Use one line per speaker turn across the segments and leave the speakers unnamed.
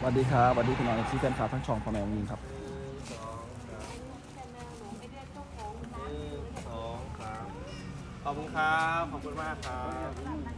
วัสดีครับสวัสดีพี่น้องที่แฟนคลับทั้งช่องพ่อแม่ยิงครับ
ขอบคุณครับขอบคุณมากครับ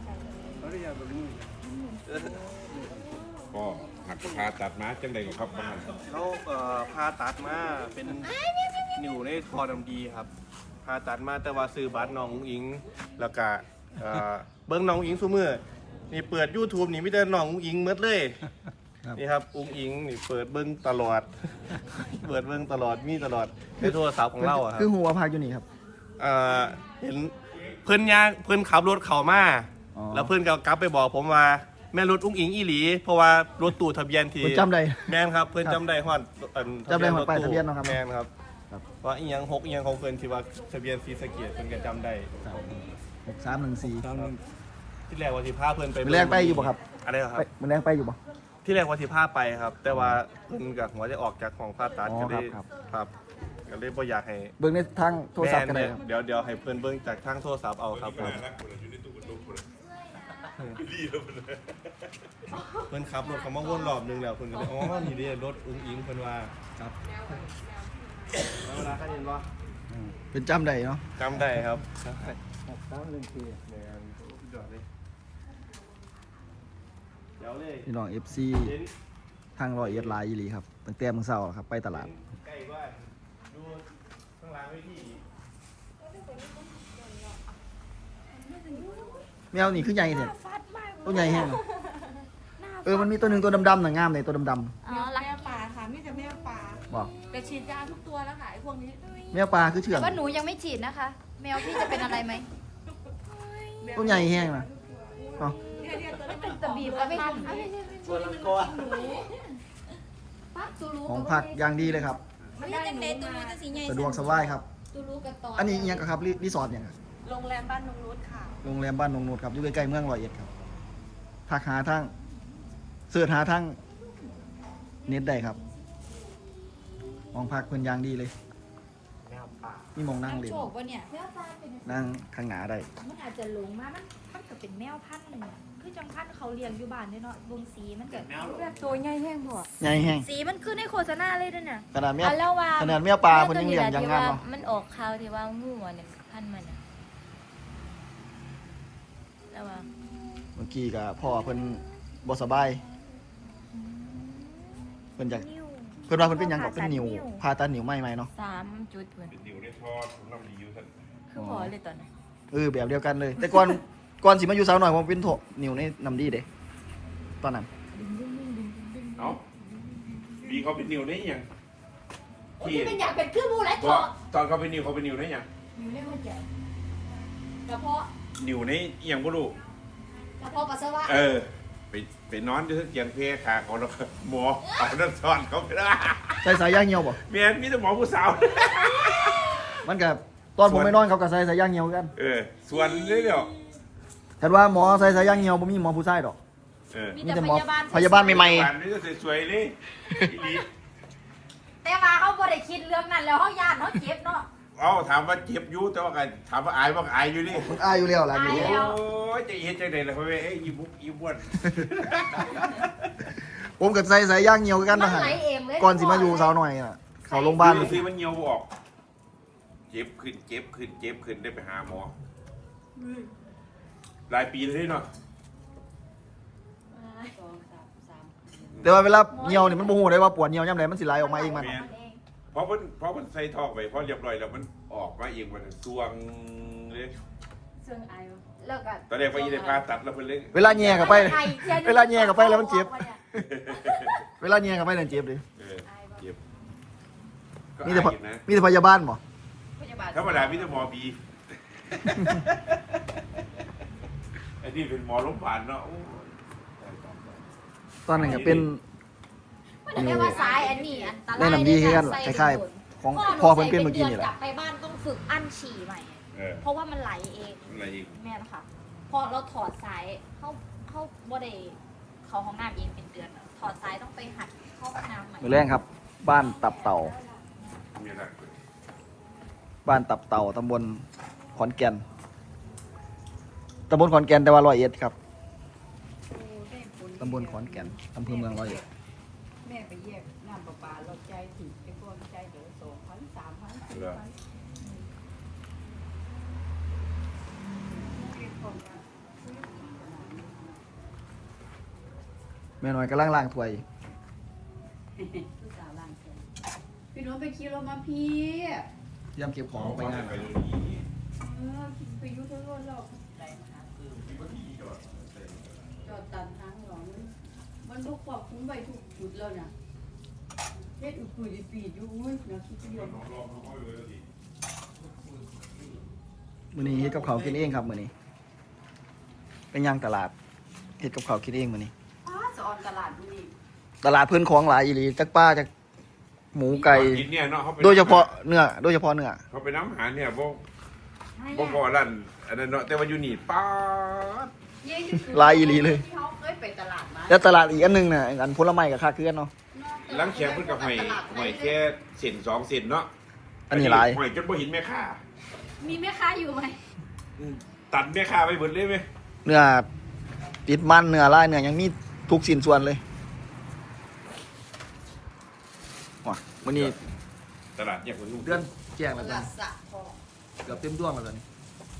ก็หักพาตัดมาจังใดก็ครับบ้าน
เขาพาตัดมาเป็นนิวในคอดำดีครับพาตัดมาแต่ว่าซื้อบัตรน้องอุ๋งอิงแล้วก็เบิ้งน้องอุ๋งอิงซุมื้อนี่เปิด YouTube นี่มีแต่น้องอุ๋งอิงหมดเลยนี่ครับอุ๋งอิงนี่เปิดเบิ้งตลอด เปิดเบิ้งตลอดมีตลอดในโทรศัพท์ของเราอะครับ
คือหัวพากอยู่นี่ครับ
เห็นเพื่อนขับรถเข้ามา
อ๋อ
แล้วเพื่อนก็กลับไปบอกผมว่าแม่รถอุ้งอิงอีหลี เพราะว่ารถตู้ทะเบียนที่
เพิ่นจำได้
แม่นครับเพื่อนจำได้ฮอด
จำได้ฮอดป้ายทะเบียนเนาะครับ
แม่นครับ
ครับ
ว่าอีหยัง6อีหยังของเพื่อนที่ว่าทะเบียนศรีสะเกษเพื่อนก็จำได้
6314
ที่แรกว่าสิพาเพื่อนไป
มื้อแรกไปอยู่บ่ครับ
อะไรเหรอครับ
มื้อแรกไปอยู่บ่
ที่แรกว่าสิพาไปครับ แต่ว่าเพื่อนกับหัวจะออกจากของผ่าตัด
อ๋อ
ก็เลย
ครับ
ครับก็เลยบ่อยากให้
เบิ่งในทางโทรศัพท์กันได้
แม่
ครับ
เดี๋ยวให้เพื่อนเบิ่งจากทางโทรศัพท์เอาครับผม
อยู่ในตู้กระตุกคน
เพิ่นขับรถเขามาวนรอบนึงแล้วเพิ่นก็เลยอ๋อนี่เด้รถอุ้งอิงเพิ่นว่า
ครับ
แล้วเวลาเขาเห็นว่า
เป็นจำได้เนาะ
จำได้ครับ
6314
แม่นสุดยอดเลยเดี๋ยวเลย
พี่น้อง FC
เห็น
ทาง100เอ็ดไลน์อีหลีครับตั้งแต่มื้อเช้าครับไปตลาด
ใกล้บ้านดูข้างล่างไว้ที่
แมวนี่คือใหญ่แท้ตัวใหญ่แฮงมันมีตัวหนึงตัวดำๆน่ะงามเลยตัวดำ
อ๋อรักแมวป่าค่ะมีแต่แมวป่า
ๆบ่
แต่ฉีดยาทุกตัวแล้วค่ะไอ้พวกนี้
แมวปลาคือเชื่อง
ว่าหนูยังไม่ฉีดนะคะ แมวพี่จะเป็นอะไรไหม
ตัวใหญ่แฮงน่ะเนาะ
เป็นตะบีบก็ไม่ทัน
ส่วนละกอ
ปักตูรู้
ของผักอย่างดีเลยครับ
มันได้เนตูรู้จะสีใหญ่
สะดวกสบายครับ
ตูรู้กับตอน
อันนี้อิหยังครับรีสอร์ทเนี่ย
โรงแรมบ้านนงนุชค่ะ
โรงแรมบ้านนงนูดครับอยู่ใกล้ๆเมืองร้อยเอ็ดครับทักหาทางเสิร์ชหาทางเน็ตได้ครับห้องพักเพิ่นอย่างดีเลย
แมวป่า
มีหมองนั่งเล่น
โฉกวะเนี่ยแมวปลาเป็น
นั่งข้างหน้าได้
มันอาจจะหลงมามันก็เป็นแมวพันธุ์หนึ่งอะคือจังพันธุ์เขาเลี้ยงอยู่บ้านเนี่ยเนาะวงสีมันเกิด
แบบตัวใหญ่แห้งพอ
ใหญ่แฮง
สีมันขึ้นในโฆษณาเลยด้วยเนี่ย
ขนาดแมว
แล้วว่า
ขนาดแมวปลาเพิ่นยังเลี้ยงอย่างงามเนาะ
มันออกข่าวที่ว่างูอ่ะเนี่ยพันธุ์มันอะแล้วว่า
เมื่อกี้ก็พ่อเพิ่นบ่สบายเพิ่นอยาก
นิ้ว
เพิ่นว่าเพิ่นเป็นหยังก็เป็นนิ้วผ่าตัดนิ้วใหม่ๆเนาะ
3 จุดเหมือน
เป็นนิ้วในทอดน้ำดีอยู่ท่าน
คือพอเลยตอนนั้น
แบบเดียวกันเลย แต่ก่อนสิมาอยู่สาวหน่อยผมเป็นโถนิ้วในน้ำดีเด้ตอนนั้น
เอ้าดีเขาเป็นนิ้วได้ยัง
ที่เป็นอยากเป็นเครื่องมือไร
ต
เถอะ
ตอนเขาเป็นนิ้วได้ยัง
อยู่ในหัวใจกระเพาะ
นิ้วในอหยังบ่รู้
กระเพาะปัสสาวะ
ไปนอนอยู่ที่เตียงเพขาเขาแล้วก็หมอเอาน้ำซ้อนเขาไปได้
ใส่สายยางเหี่ยวบ่
เมียนมีแต่หมอผู้สาว
มันก็ตอนผมไปนอนเขาก็ใส่สายยางเหี่ยวกัน
ส่วนนี้เดียว
แต่ว่าหมอใส่สายยางเหี่ยวบ่มีหมอผู้ชายดอก
มี
มี
แต่
แต่
พ
หมอย
าบาล
พยาบาลใหม่
วันนี้ก็สวยๆเลยอีหลี
แต่ว่าเขาบ่ได้คิดเรื่องนั้นแล้วเขาย่านเขาเจ็บเนาะ
เอาถามว่าเจ็บอยู่แต่ว่าก็ถามว่าอายว่าอายอยู่นี่
ๆมันอายอยู่แล้วล่ะอยู่
อาย
โอ้ยจะเฮ็ดจังได๋ล่ะพ่อแม่อีบุกอีบ้วน
ผมก็ใส่สายยางเหี่ยวกัน
มั
นะ
น
ฮะ
ไหลเองเลย
ก่อนสิมาอยู่สาวหน่อยน่ะเขาโรงพยาบาล
ซื้อมันเหี่ยวบ่ออกเจ็บขึ้นได้ไปหาหมอหลายปีเลยเนาะ
แต่ว่าเวลาเหี่ยวนี่มันบ่ฮู้ได้ว่าปวดเหี่ยวยามใดมันสิไหลออกมาเองมัน
เพราะมันใส่ท่อไปพอเรียบร้อยแล้วมันออกมาเองมันสวงเลย
เสื่องไอ
แล้วก็
ตอนแรกว่าอีได้ผ่าตัดแล้วเพิ่นเลย
เวลาแย่เข้าไปเวลาแย่เข้าไปแล้วมันเจ็บ เวลาแย่เข้าไปนั่นเจ็บดิ
เจ็บก็
มีแต่
อายอยู่นะ
มีแต่พยาบาลบ่
พยาบาล
ธรรมดามีแต่หมอบี ไอ้นี่เป็นหมอโรงพยาบาลเนาะโอ้ย
ตอนนั้นก็เป็น
มันเรียกว่าสายอันนี้อันตราย
แนะนำดีคือกัน
ใส่
คล้ายๆของพ่อเพิ่นเป็นเมื่อกี้นี่แหละ
กลับไปบ้านต้องฝึกอั้นฉี่ใหม่ เพราะว่ามันไหลเอง
อะไรอีก
แม่นะคะพอเราถอดสายเข้าบ่ได้เขาห้องน้ำเองเป็นเดือนอะถอดสายต้องไปหัดเข้าห้องน้ำใหม่
มื้อแรงครับ บ้านตับเต่า
มีอะไร
บ้านตับเต่าตำบลขอนแก่นตำบลขอนแก่นแต่ว่าร้อยเอ็ดครับตำบลขอนแก่นอำเภอเมืองร้อยเอ็ด
แม่ไปแยกน้ำประปาเราใจถึงไปก่อนใจเดี๋ยว2,000 3,000 4,000
แม่น้อยกำลังล้างถ้วย
ผู้สาวล้างแขนพี่น้องไปขี่รถมาพี่
เตรียมเก็บของไปงาน
ไปดูดี
ไปยุทธรถเราไหนมาจอดตันทางหลองมันบกควบคุมไปทุกจุดแล้วนะเฮ็ดอุดปุยปีดอยู่อุ้ยเนาะคิดเดียว
มื้อนี้เฮ็ดกับข้าวกินเองครับมื้อนี้ไปย่างตลาดเฮ็ดกับข้าวกินเองมื้อนี้
อ้าจะออนตลาดดูนี่
ตลาดเพิ่นของหลายอีหลีจักป้าจักหมูไก่
กินเนี่ยเนาะเขาไป
โดยเฉพาะเนื้อโดยเฉพาะเนื้อ
เขาไปน้ำหาเนี่ยบ่พอลั่นอันนั้นเนาะแต่ว่าอยู่นี่ป๊าด
หลายอีหลีเลย
ที่เขาเคยไปตลาดมา
แล้วตลาดอีกอันหนึงน่ะอันผลไม้กับค่าเคลื่อนเนาะ
ล้างแขงเพิ่นกับหอยแค่เส้น2เส้นเนาะ
อันนี้หลาย
หอยจนบ่เห็นแม่ค้า
มีแม่ค้าอยู่ไหม
ตัดแม่ค้าไปเบิดเลยไหม
เนื้อติดมันเนื้อลายเนื้อยังมีทุกสิ้นส่วนเลยว้ามื้อนี้
ตลาดแยกคนลูก
เดือนแจ้ง
ต
แล้วกั
ลาน ดสะพอ
เกือบเต็มดวงแล้วตอนนี้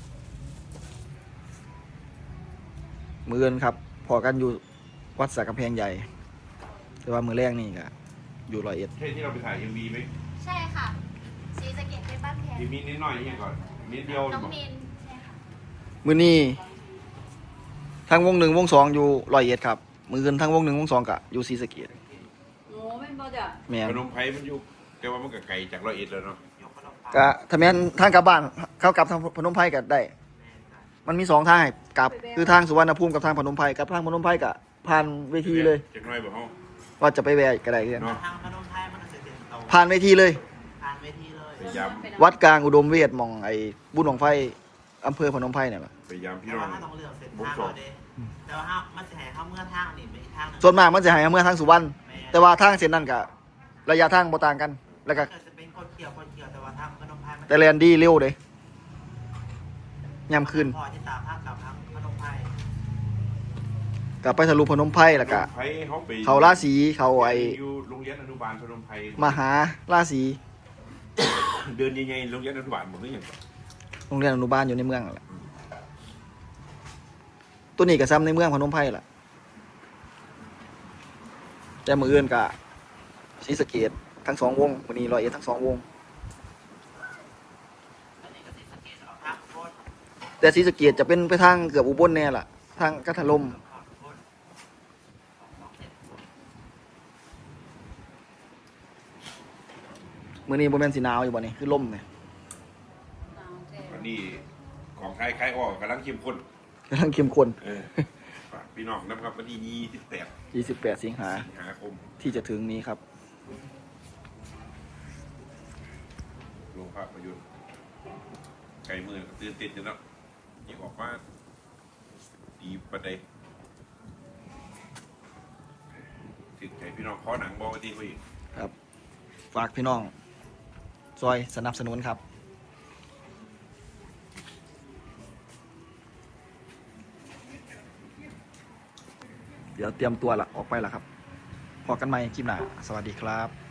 มื้ออื่นครับพอกันอยู่วัดสระกำแพงใหญ่ แต่ว่ามื้อแรกนี่ก็อยู่ร้อยเอ็ด
ใช่ที่เราไปถ่าย MV ไหม
ใช่ค่ะสีสะเก็ดเป็นบ้านแพง
MV นิดหน่อยนี่ก่อนนิดเดียว
น้อง
บอก
นินใช่ค่ะ
มื้อนี้ทั้งวงหนึ่งวงสองอยู่ร้อยเอ็ดครับมื้ออื่นทั้งวงหนึ่งวงสองก็อยู่ศรีสะเกษ
โอ้แม่นบ่จ้ะ
แม่น
พนมไพรมันอยู่แต่ว่ามันก็ไกลจากร้อยเอ็ดแล้วเนาะ
ก็ถ้าแม่นทางกลับบ้านเข้ากลับทางพนมไพรก็ได้ มันมีสองทางให้กลับคือทางสุวรรณภูมิกับทางพนมไพรกับทางพนมไพรก็ผ่านเวทีเลย
จักหน้อยบ่เฮา
ว่าจะไปแวะก็ได้เพื่อน
เนาะ
ทางพนมไพรมันจะเด่นโต
ผ่านเวทีเลย
ผ่านเวทีเลย
พยายาม
วัดกลางอุดมเวทหมองไอ้บุญหนองไฟอำเภอพนมไพรเนี่ยแหละ
พยายามพี่
แต่
น้อ
ว่าง ถ้าต้องเลือกเส้นทางเราเด้แต่ว่ามันจะให้เข้าเมื่อทางนี่ไปอีกทางหนึง
ส่วนมากมันจะให้เมื่อทางสุวรรณแต่ว่าทางเส้นนั้นก็ระยะทางบ่ต่างกัน แล้วก็
จะเป็นคนเกี่ยวแต่ว่าทางพนมไพรมัน
แต่แลนดีเร็วเด้ยามคืน
พอที่ตามทางกับทางพนมไพร
กลับไปทะลุพนมไพรแล้วก็
พนมไพรเขาไป
เขาราศีเขาไอ้
อยู่โรงเรียนอนุบาลพนมไพร
มหาราศี
เดินยังไงโรงเรียนอนุบาลบ่คือหยัง
โรงเรียนอนุบาลอยู่ในเมืองนั่นแหละตัวนี้ก็ซ้ำในเมืองพนมไพรล่ะแต่มื้ออื่นก็ศรีสะเกษทั้งสองวงมื้อนี้ร้อยเอ็ดทั้งสองวง
อันนี้ก็ติดสังเกตออกทางโคตร
แต่ศรีสะเกษจะเป็นไปทางเกือบอุบลแน่ล่ะทางกัทลม
โคตร
มื้อนี้บ่แม่นสิหนาวอยู่บ่นี่คือลมเนี่ย
วันนี้ของไทยคล้ายอ้อกำลังเข้มข้น
กำลังเข้มข้น
ฝากพี่น้องนะครับวันที่28
28 สิงหา
สิงหาคม
ที่จะถึงนี้ครับ
โรงภาพยนตร์ไกลมือตื่นเต้นอยู่เนาะนี่ออกมาดีประเดถึงใจพี่น้องขอหนังบอกว่าดีกว่าอีก
ครับ ฝากพี่น้องซอยสนับสนุนครับ เดี๋ยวเตรียมตัวละออกไปละครับ พอกันใหม่คลิปหน้า สวัสดีครับ